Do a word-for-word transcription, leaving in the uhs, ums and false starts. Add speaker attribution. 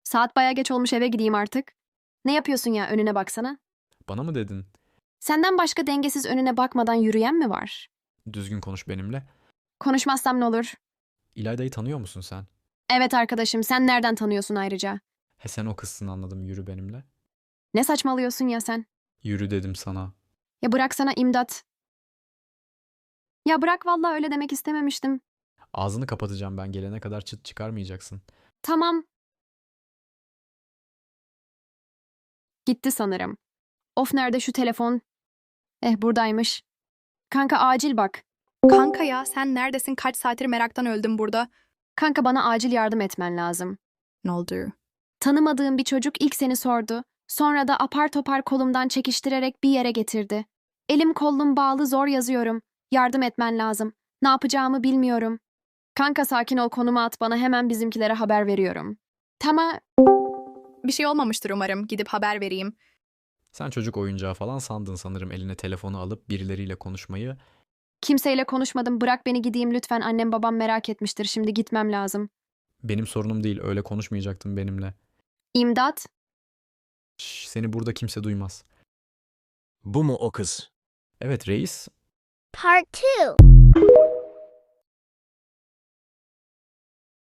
Speaker 1: Saat baya geç olmuş, eve gideyim artık. Ne yapıyorsun ya, önüne baksana.
Speaker 2: Bana mı dedin?
Speaker 1: Senden başka dengesiz önüne bakmadan yürüyen mi var?
Speaker 2: Düzgün konuş benimle.
Speaker 1: Konuşmazsam ne olur?
Speaker 2: İlayda'yı tanıyor musun sen?
Speaker 1: Evet arkadaşım, sen nereden tanıyorsun ayrıca?
Speaker 2: He sen o kızsın anladım, yürü benimle.
Speaker 1: Ne saçmalıyorsun ya sen?
Speaker 2: Yürü dedim sana.
Speaker 1: Ya bıraksana imdat. Ya bırak, vallahi öyle demek istememiştim.
Speaker 2: Ağzını kapatacağım, ben gelene kadar çıt çıkarmayacaksın.
Speaker 1: Tamam. Gitti sanırım. Of, nerede şu telefon? Eh, buradaymış. Kanka acil bak.
Speaker 3: Kanka ya sen neredesin? Kaç saattir meraktan öldüm burada.
Speaker 1: Kanka bana acil yardım etmen lazım.
Speaker 3: Ne oldu?
Speaker 1: Tanımadığım bir çocuk ilk seni sordu. Sonra da apar topar kolumdan çekiştirerek bir yere getirdi. Elim kollum bağlı, zor yazıyorum. Yardım etmen lazım. Ne yapacağımı bilmiyorum. Kanka sakin ol, konumu at bana, hemen bizimkilere haber veriyorum. Tamam.
Speaker 3: Bir şey olmamıştır umarım. Gidip haber vereyim.
Speaker 2: Sen çocuk oyuncağı falan sandın sanırım, eline telefonu alıp birileriyle konuşmayı.
Speaker 1: Kimseyle konuşmadım, bırak beni gideyim lütfen, annem babam merak etmiştir, şimdi gitmem lazım.
Speaker 2: Benim sorunum değil, öyle konuşmayacaktın benimle.
Speaker 1: İmdat.
Speaker 2: Şş, seni burada kimse duymaz.
Speaker 4: Bu mu o kız?
Speaker 2: Evet reis.
Speaker 5: Part two.